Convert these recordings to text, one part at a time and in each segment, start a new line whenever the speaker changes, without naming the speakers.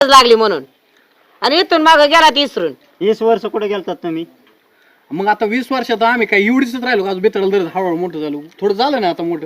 लागली म्हणून आणि इथून माग गेला इसरून
20 वर्ष कुठे गेलतात तुम्ही?
मग आता 20 वर्षात आम्ही काय एवढीच राहिलो का? बेतळ दर हळूहळू मोठं झालो, थोडं झालं ना आता मोठं.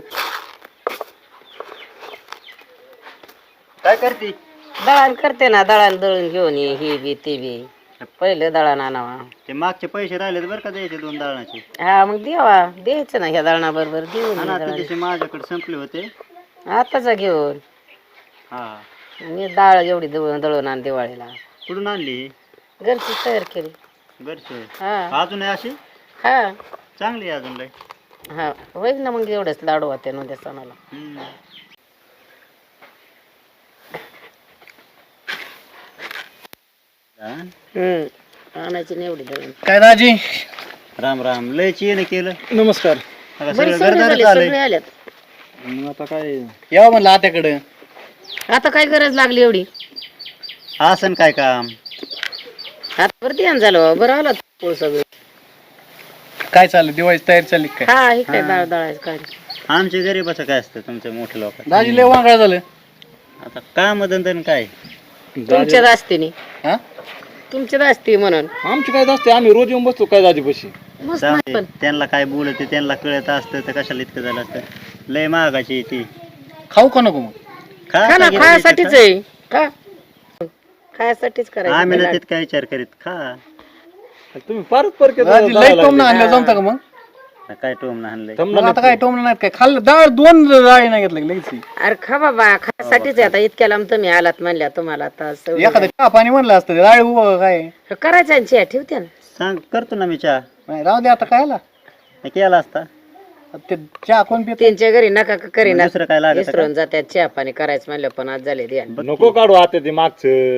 काय करते?
दळण करते ना, दळण दळून घेऊन ये, ही बी ती बी. पहिले दळण आणावा.
ते मागचे पैसे राहिले बरं का द्यायचे 2 दळणाचे.
हा मग द्यायचं ना ह्या दळणा बरोबर देऊन
हा ना,
ये
ते
दळण.
दिवशी माझ्याकडे संपले होते.
आताच घेऊन
हा.
मी डाळ एवढी दळून आण दिवाळीला.
कुठून आणली?
घरची तयार केली.
घरचे?
हा
अजून आहे अशी?
हा
चांगली आहे अजून लय.
हा होईल ना मग एवढंच लाडू होते नव्हत्या सणाला.
हम्म. हा?
आणायची नाही एवढी दळण.
काय दाजी?
राम राम. लय चेन केलं.
नमस्कार.
आता
बरी
सगळं
सगळे
घरदारच
झाले,
आलंय.
सगळे आल्यात.
मग आता काय यावं म्हणलं आत्याकडे.
आता काय गरज लागली एवढी?
आसन काय काम?
आता बरं ध्यान झालं, बरं आला पोळ सगळं.
काय चाललं, दिवाळीची तयारी चालली काय?
हा हे काय डाळ दळायचं काय.
आमच्या गरीबाचं काय असतं तुमच्या मोठ्या लोकांचं?
दाजी लय वांगळ झालं.
आता काम धंदन काय?
तुमच्याच असते नी,
हा?
तुमच्याच असते म्हणून.
आमची काय असते, आम्ही रोज येऊन बसतो काय दाजी पशी.
मस्त
जाऊ
नाही
दे.
पण
त्यांना काय बोलते त्यांना कळत असतं तर कशाला इतकं झालं असतं. लय महागाची ती.
खाऊ का नको मग?
खा ना,
गिऱ्हाईक
खायासाठीच
खा.
आहे. खा खायासाठीच
आम्ही ना
करायचं.
तित काय विचार करीत खा.
तुम्ही फारच परके
दाजी लय टोमणं आणलं जमतं का मग?
काय टोम आणलंय?
मग आता काय टोमणं नाहीत काय? खाल्लं डाळ 2 डाळी नाही घेतलं लगेच.
अरे खा बाबा, खायासाठीच आहे. आता इतक्या लांब तुम्ही आलात म्हणल्या तुम्हाला आता सवय
एखादं चहा पाणी म्हणलं असतं, डाळ उभं काय
आहे. करायचं आणि चहा ठेवते ना.
सांग करतो ना मी चहा.
नाही, राहू दे आता कायला.
मी केला असता.
ते चहा कोण पित?
त्यांच्या घरी नका का करीना,
दुसरं काय लागत
विसरून जात्यात चहा पाणी करायचं म्हणलं, पण आज झाले द्या.
नको काढू आता ते मागचं.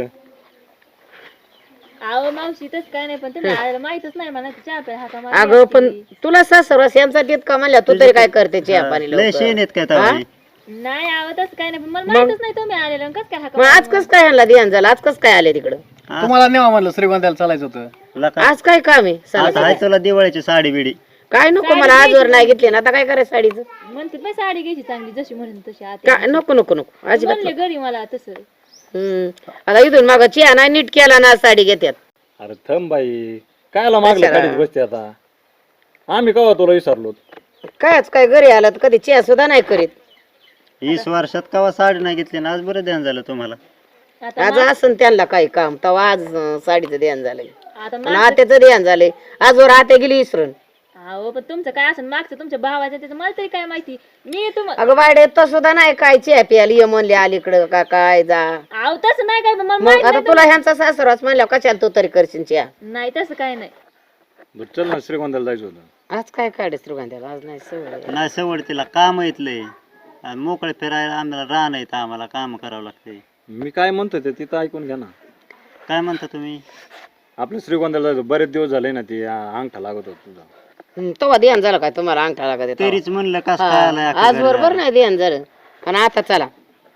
अहो मावशी तस काय नाही, पण तुम्ही माहितच नाही मला चहा प्या हाका मारून
अगं पण तुला सासरवास यांसाठी इतका म्हणल्या, तू तरी काय करते चहा पाणी
लय
लवकर?
शेण येत काय तवा?
नाही आव तस काय नाही, पण मला माहितच नाही तुम्ही आलेलं कस काय हाका
मग आज कस काय आणला ध्यान झालं? आज कस काय आले तिकडं?
तुम्हाला नेवा म्हणलं, श्रीगोंद्याला चालायचं होतं.
लका
आज काय काम आहे?
आता आहे तुला दिवाळीची साडी बिडी.
काय नको मला, आजवर नाही घेतली ना, आता काय करायचं साडीचं?
म्हणते पण साडी घ्यायची चांगली जशी म्हणून तशी आता
काय नको नको नको अजिबात
म्हणले घरी मला तसं.
आता इथून माग चिया नाही नीट केला ना, साडी घेत्यात.
अरे थंब बाई, कायला मागलं काढीत बसते आता? आम्ही कवा तुला विसरलो?
कायच काय घरी आला तर कधी चिया सुद्धा नाही करीत.
20 वर्षात कवा साडी नाही घेतली ना, आज बरं ध्यान झालं तुम्हाला.
आता
आज असं त्यांना काही काम तेव्हा आज साडीचं ध्यान झालंय
आता
आणि आत्याचं ध्यान झालंय. आजवर आत्या गेली विसरून.
अहो पण तुमचं काय असं मागचं तुमच्या भावाचं त्याचं मला तरी काय माहिती. मी तुम्हाला
अगं बायडे तर सुद्धा नाही काय चिया प्यायला ये म्हणले अलीकडं का काय जा.
अहो तसं नाही काय, पण मला
मग
माहित
आता
नाही
तुला ह्यांचा सासरवास म्हणल्या कशाला तू तरी करशील चिया?
नाही तसं काय नाही.
बरं चल ना, श्रीगोंद्याला जायचं होतं.
आज काय काढे श्रीगोंद्याला? आज नाही सवय.
नाही सवड तिला काम येतलंय. मोकळे फिरायला आम्हाला रान येत, आम्हाला काम करावं लागतंय.
मी काय म्हणतो ते तिथं ऐकून घ्या ना.
काय म्हणता तुम्ही?
आपलं श्रीगोंद्याला जायचं, बरेच दिवस झाले ना, ते अंगठा लागत होता तुझा.
तेव्हा ध्यान झालं काय तुम्हाला अंगठा लागत आहे तेव्हा?
तरीच म्हणलं कस काय आलाय
हा,
अख्खं
आज
घर
बरोबर
झालं.
नाही ध्यान झालं. पण आता चला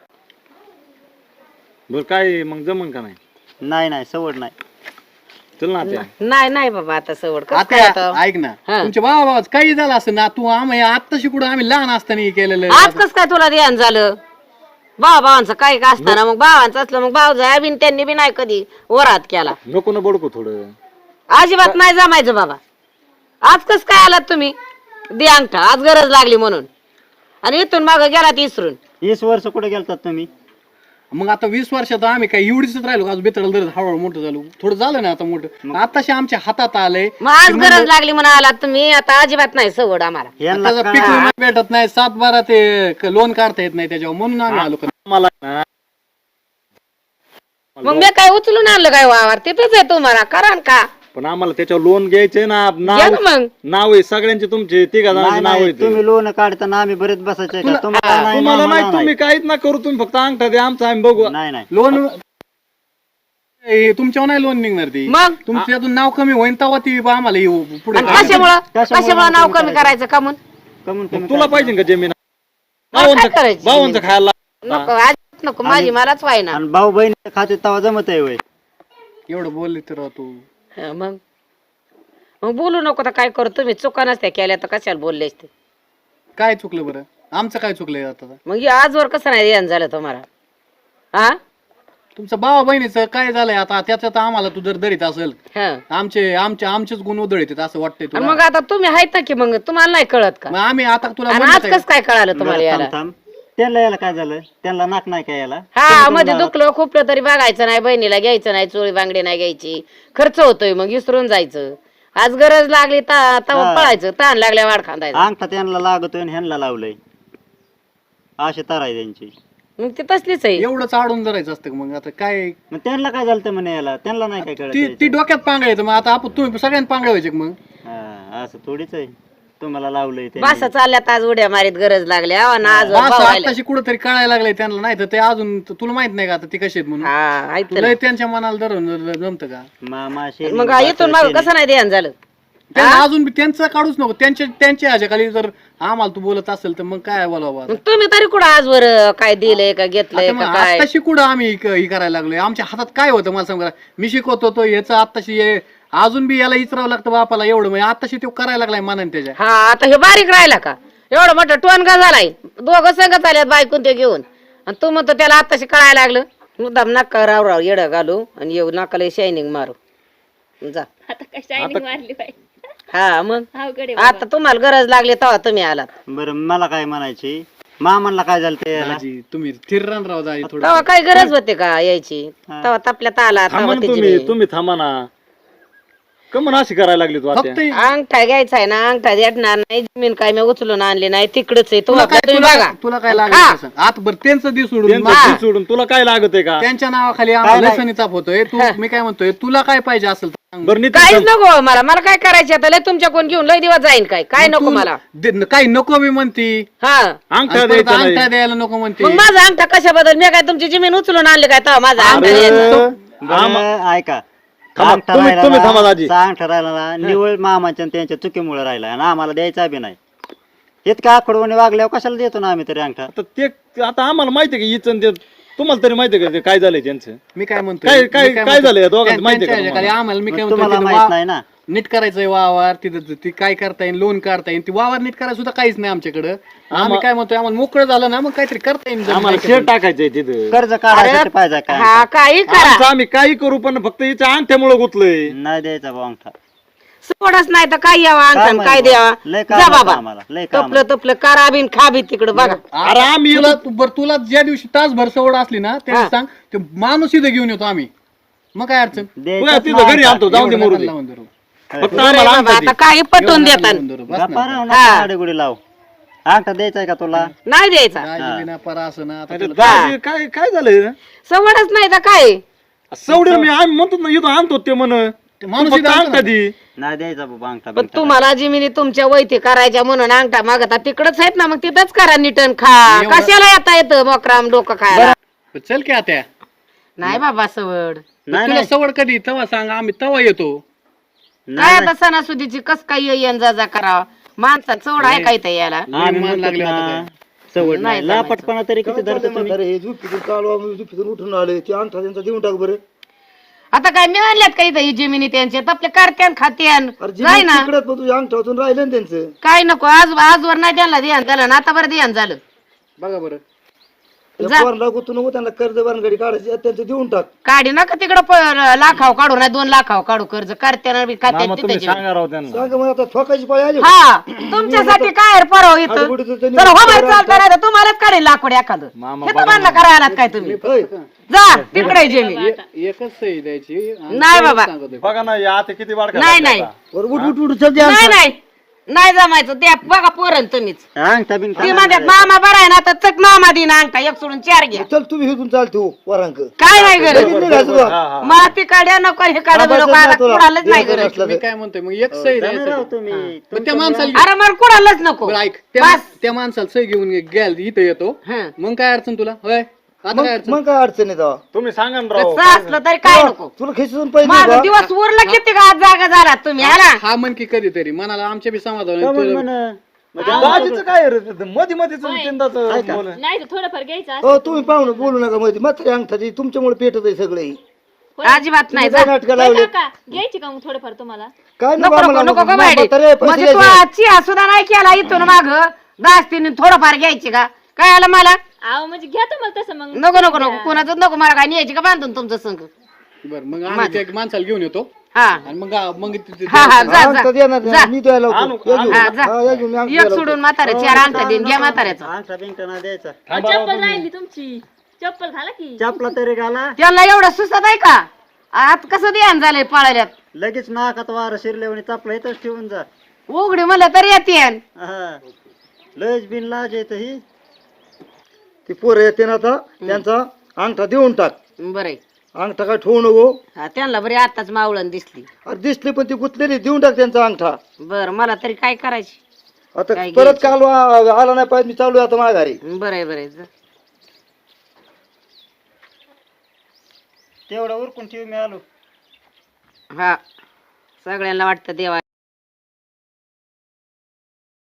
बरं काय मग जमन का नाही?
नाही नाही सवड नाही.
चल ना त्या.
नाही नाही बाबा आता सवड कसं काय
आता
आता?
ऐक ना,
हा.
तुमच्या भावा काही झालं असं ना, तू आम्ही आता शिकडून आम्ही लहान असताना केलेलं.
आज कस काय तुला ध्यान झालं? भावांचं काय का असताना मग भावांचं असलं मग भाव जाय बिन त्यांनी बी नाही कधी वरात केला.
नको ना बडकू थोडं.
अजिबात नाही जमायचं बाबा. आज कस काय आलात तुम्ही? दे अंगठा, आज गरज लागली म्हणून आणि इथून माग गेलात इसरून.
20 वर्ष कुठे गेलतात तुम्ही?
मग आता 20 वर्षात आम्ही काय एवढीच राहिलो का? बेतळ दर हळूहळू मोठं झालो, थोडं झालं ना आता मोठं. आताशी आमच्या हातात आलंय.
मग आज गरज लागली म्हणून आलात तुम्ही. आता अजिबात नाही सवड आम्हाला.
यांना
त्याचा पीक विमा भेटत नाही, 7-12 ते लोन काढता येत नाही त्याच्यावर, म्हणून आम्ही आलो.
मला ना
मग मी काय उचलून आणलं काय वावर? तिथेच आहे तुम्हाला, करा ना का?
पण आम्हाला त्याच्यावर लोन घ्यायचंय ना.
घ्या
नाव
ना मग.
नाव आहे सगळ्यांचे, तुमचे तिघा
नाही,
जणांचे नाव
नाही,
आहे.
तुम्ही लोन काढताना आम्ही बरेच बसायचे का? तुम्हाला नाही,
तुम्हाला
आम्हाला
नाही, तुम्ही काहीच ना करू, तुम्ही फक्त अंगठा द्या आमचा, आम्ही बघू.
नाही नाही
लोन तुमच्यावर नाही लोन निघणार ती.
मग
तुमच्यातून नाव कमी होईन तेव्हा ती आम्हाला येऊ पुढे.
आणि कशामुळं नाव कमी करायचं का म्हणून?
कमून
मग तुला पाहिजे का जमीन?
मग काय करायचं?
भावांचं खायला
नको आज नको, माझी मलाच व्हायना.
आणि भाऊ बहीण खाते तेव्हा जमत आहे वय.
एवढं बोलले तर तू
हा, मग मग बोलू नको तर काय करू? तुम्ही चुका नसत्या केल्या तर कशाला बोलले असते?
काय चुकलं बरं? आमचं काय चुकलंय आता?
मग हे आजवर कसं नाही ध्यान झालं तुम्हाला? हा
तुमचं भावा बहिणीचं काय झालंय आता त्याच्यात आम्हाला तू जर दरीत असेल
हं.
आमचेच गुण उधळीत असं वाटतंय
आणि
तुला
मग आता तुम्ही आहेत ना की मग तुम्हाला नाही कळत का
मग आम्ही आता तुला
आणि
म्हणत
आज
आहे.
कस काय कळालं तुम्हाला यायला
थांब थांब. त्यांना याला काय झालं? त्यांना नाक नाही काय याला?
हा मध्ये दुखलं खुपलं तरी बघायचं नाही, बहिणीला घ्यायचं नाही, चोळी बांगडी नाही घ्यायची, खर्च होतोय मग विसरून जायचं. आज गरज लागली तवा
हा.
पळायचं, ताण लागल्या वाढ खांदायचं.
अंगठा त्यांना लागतोय आणि ह्यांना लावलंय. अशी तर आहे त्यांची.
मग ते तसलीच आहे.
एवढंच आडून धरायचं असतं मग आता काय
मग त्यांना काय झालं म्हणे याला? त्यांना नाही काय
ती
कळत?
ती डोक्यात पांगळायचं मग आता आपण तुम्ही सगळ्यांना पांगळायचे मग
असं थोडीच आहे. तुम्हाला लावलंय
बासा चालल्यात आज उड्या मारीत गरज लागल्या ना आज
असं आताशी कुठेतरी कळायला लागलंय त्यांना, नाही तर ते अजून तुला माहित नाही का आता ती कशी आहेत म्हणून तुला त्यांच्या मनाला धरून जमतं का
मामा
मग इथून माग कसं नाही ध्यान झालं.
त्यांना अजून बी त्यांचं काढूच नको, त्यांच्या ह्याच्या खाली जर आम्हाला तू बोलत असेल तर मग काय बोलावं आता?
मग तुम्ही तरी कुठं आजवर काय दिलंय का घेतलंय
आता
का
मग
काय?
आत्ताशी कुठं आम्ही ही करायला लागलोय? आमच्या हातात काय होतं मला सांगा. मी शिकवतो तो याचं आत्ताशी अजून बी याला इचरावं लागतं बापाला एवढं, म्हणजे आत्ताशी तो करायला लागलाय मनाने त्याच्या.
हा आता हे बारीक राहिला का? एवढं मोठं टोनगा झालाय, दोघं संगत आल्यात बायकून ते घेऊन, आणि तू म्हणतो त्याला आत्ताशी कळायला लागलं. मुद्दाम नका राव राव येडं घालू आणि येऊ नाकाला शायनिंग मारू जा.
आता काय शायनिंग मारली बाई.
हा मग
अवघड आहे
आता तुम्हाला गरज लागली तेव्हा तुम्ही आलात.
बरं मला काय म्हणायची, मामांना काय झालं ते याला?
दाजी तुम्ही थिररान राव दाजी थोडं.
तेव्हा काय गरज होते का यायची? तेव्हा तपल्यात आला
थांबा
तेव्हा
ना
त्याची
तुम्ही तुम्ही थांबा ना. कमन अशी करायला लागली तू आता?
फक्त
अंगठा घ्यायचा आहे ना, अंगठा देणार नाही. जमीन काय मी उचलून आणली नाही, तिकडच आहे.
तुला काय
तुम्ही बघा
तुला काय लागलं आता बरं त्यांचं दिस सोडून
त्यांचं जीव सोडून तुला काय लागत आहे का?
त्यांच्या नावाखाली आम्हाला लसणी चाप होतोय. तू मी काय म्हणतोय, तुला काय पाहिजे असेल तर सांग.
बरं नितीन
काहीच नको मला. मला काय करायचे आता? लय तुमच्या कोण घेऊन लय दिवस जाईन काय? काय नको मला?
काही नको मी म्हणती,
हा
अंगठा
आणि परत
द्यायचा नाही.
अंगठा द्यायला नको म्हणते.
मग माझा अंगठा कशाबद्दल? मी काय तुमची जमीन उचलून आणली काय तेव्हा माझा अंगठा द्यायचा?
बरं, ऐका.
थांबा,
अंगठा
तुम्ही-
राहिला
तुम्ही
ना,
थांबा दाजी.
अंगठा राहिला ना, निवळ मामाच्या आणि त्यांच्या चुकीमुळे राहिला आणि आम्हाला द्यायचा बी नाही. इतका आकडवणे वागल्यावर कशाला देतो ना आम्ही तरी अंगठा?
आता ते आता आम्हाला माहिती आहे की इचन ते तुम्हाला तरी माहिती आहे का ते काय झालंय त्यांचं?
मी काय म्हणतोय,
काय-
मी
काय-
काय
काय
म्हणतोय,
झालंय या दोघांचं
त्या-
माहिती आहे का
त्यांच्या ह्याच्याखाली आम्हाला मी काय म्हणतोय,
तुम्हाला
तिथं
माहित नाही ना.
नीट करायचंय वावर, तिथं ती काय करता येईल, लोन काढता येईल. ती वावर नीट करायला सुद्धा काहीच नाही आमच्याकडे. आम्ही काय म्हणतोय, आम्हाला मोकळं झालं ना मग काहीतरी करता येईल. जमीन
आम्हाला शेअर टाकायचंय तिथं.
कर्ज काढायसाठी पाहिजे काय?
हा काही करा,
आमचं आम्ही काही करू पण फक्त हिच्या अंगठ्यामुळे गुतलोय.
नाही द्यायचा भाऊ अंगठा.
सोडच नाही तर काय यावा अंगठा
काय
काय
माहिती
द्यावा?
लय काम
जा
आहे
बाबा,
आम्हाला, लय काम
तपलं तपलं करा बिन खा बी तिकडं बघा.
अरे आम्ही
तुला ज्या दिवशी तासभर सवड असली ना त्या दिवशी सांग, ते माणूस इथं घेऊन येतो आम्ही. मग काय अडचण?
तुला तिथं घरी आणतो, जाऊन दे मरू दे.
लावून धरू.
फक्त
बरं
आम्हाला
आहे
अंगठा
बाबा,
दे.
आता काही पटवून देतात.
लावून धरू. बस ना.
गाडी लाव. अंगठा द्यायचा का तुला?
नाही द्यायचा.
दाजी बिना परा असं ना आता
अरे
तुला-
दाजी, काय काय झालंय?
सवडच नाही तर काय?
सवडील मी आम्ही म्हणतो ना इथं आणतो ते म्हण
ते माणूस
फक्त
इथं आणतो
अंगठा
ना.
दे.
नाही द्यायचा बाबा अंगठा
पण
बिंगठा.
तुम्हाला जिमिनी तुमच्या वैती करायच्या म्हणून अंगठा मागता तिकडच आहेत ना, मग तिथंच करा निटन खा.
एवढं-
कशाला येता येतं मोकराम डोकं खायला?
चल की आता
नाही बाबा सवड.
नाही,
तुला
नाही.
सवड कधी तेव्हा सांग, आम्ही तेव्हा येतो.
काय आता सणासुदीची कस काय येण जा जा करावा? माणसा चवड आहे काय ते याला?
आम्ही
मान
म्हणतो
लागले
ना,
आता
सवड
नाही
नाही.
जमायचं.
लापटपणा तरी किती धरतो तुम्ही?
अरे हे झोपीतून काल आम्ही झोपीतून उठून आले ते अंगठा त्यांचा देऊन टाक बरं.
आता काय मिळाल्यात काही इथं जिमिनी त्यांचे आपले करत्यान खात्यान
अरे
जाय ना.
तिकडे पण तुझ्या अंगठातून राहिलं ना त्यांचं.
काय नको आजवर नाही त्यांना ध्यान झालं ना, आता बरं ध्यान झालं.
बघा बरं,
त्या पोराला गुंतवून नको, त्यांना कर्ज बांधगडी काढायची त्यांचं देऊन टाक.
काढी नका तिकडं लाखाव काढू नाही 2 लाखाव काढू कर्ज करत्यान बी
मामा
खात्यान
तुम्ही
तिथे.
सांगा राव त्यांना.
सांग मग आता ठोकायची पाळी आली.
हा तुमच्यासाठी काय रे परव इथं?
आडबुडीचं त्यांनी
चला हो बाहेर चालता नाही तर तुम्हालाच काढेल लाकूड एखादं.
मामा
हे तर म्हणलं करायला काय तुम्ही?
होय.
जा तिकडे जमीन.
एकच सही द्यायची. आणि
नाही
तेवढंच
बाबा.
सांगतोय.
बघा ना या आता किती वाढ
नाही नाही
बरं उठ उठ उठ चल द्या
नाही
अंगठा.
नाही नाही जमायचं. द्या बघा पोरण तुम्हीच.
अंगठा बिंगठा
ती म्हणतात मामा बरा आहे ना, तर चक मामा दिन अंगठा 1 सोडून 4 घ्या.
चल तुम्ही हिथून चालतो वरांक.
काय नाही गरज.
निघायचं बा.
हा हा
मला ती काढ्या नको हे काढा
बस
नको,
ना
आता
तुला.
कुणालाच नाही
देव
गरज.
असला
मी काय म्हणतोय, मग एक सही
जाणार
द्यायची.
आहो तुम्ही.
पण त्या माणसाला
अरे मला कुणालाच नको.
बरं ऐक,
बस.
त्या माणसाला सही घेऊन गेल इथं येतो.
हं.
मग काय अडचण तुला? होय आता काय
मग
अडचण?
मग काय अडचण आहे तेव्हा?
तुम्ही सांगा ना राव.
कसं असलं तरी काय नको.
तुला खिसून पैसे
माझा
देऊ का?
दिवस उरला किती का आज जागा झाला तुम्ही आला.
हा म्हण की कधीतरी मनाला आमच्या बी समाधान
का
होईल.
म्हणून
तुला-
म्हण?
दाजीचं काय रे? मध्ये मध्येच तीनदाच बोल.
नाही तर थोडंफार घ्यायचं असं.
हो तुम्ही पाहुणं बोलू नका मध्ये मात्र अंगठा दे, तुमच्यामुळे पेटत आहे सगळे.
अजिबात नाही.
काय नाटकं
होय
लावले
काका, घ्यायची का मग थोडंफार तुम्हाला?
काय
नको
आम्हाला
नको नको
नको.
बायडे.
म्हातारे पैसे
म्हणजे तू
द्यायचे.
चिया सुद्धा नाही केला इथून माग दास्तीने थोडंफार घ्यायची का? काय आलं मला
अहो म्हणजे घ्या तुम्हाला तसं मग
नको नको नको कोणाचं नको, मला काय न्यायची का बांधून तुमचं संग.
बरं मग आम्ही त्या माणसाला घेऊन येतो
हा
आणि मग मग
हा हा जा
अंगठा
जा
देणार नाही,
जा.
मी द्यायला लावतो.
आणू-
या घेऊन.
हा, जा.
हा, या घेऊन, मी अंगठा
एक
द्यायला
सोडून म्हातारे चार आणता देईन, घ्या म्हाताऱ्याचा.
अंगठा बिंगठा नाही द्यायचा.
चप्पल राहिली तुमची, चप्पल घाला की.
चपला तरी घाला.
त्यांना एवढं सुचत आहे का? आत कसं ध्यान झालंय पाळल्यात.
लगेच नाकात वारं शिरल्यावर चपला इथंच ठेवून जा.
उघडी म्हणलं तरी येते.
हा लयच बिन लाज येत ही.
ती पोरं येते ना आता त्यांचा अंगठा देऊन टाक.
बरं
अंगठा काय ठेवू नको.
हा त्यांना बरी आताच मावळण दिसली.
अरे दिसली पण ती गुतलेली, देऊन टाक त्यांचा अंगठा.
बर मला तरी काय करायची.
आता
काय
परत काल आला नाही पाहिजे, मी चालू आहे आता माघारी.
बरं बरं जा.
तेवढं उरकून ठेव, मी आलो.
हा सगळ्यांना वाटतं देवा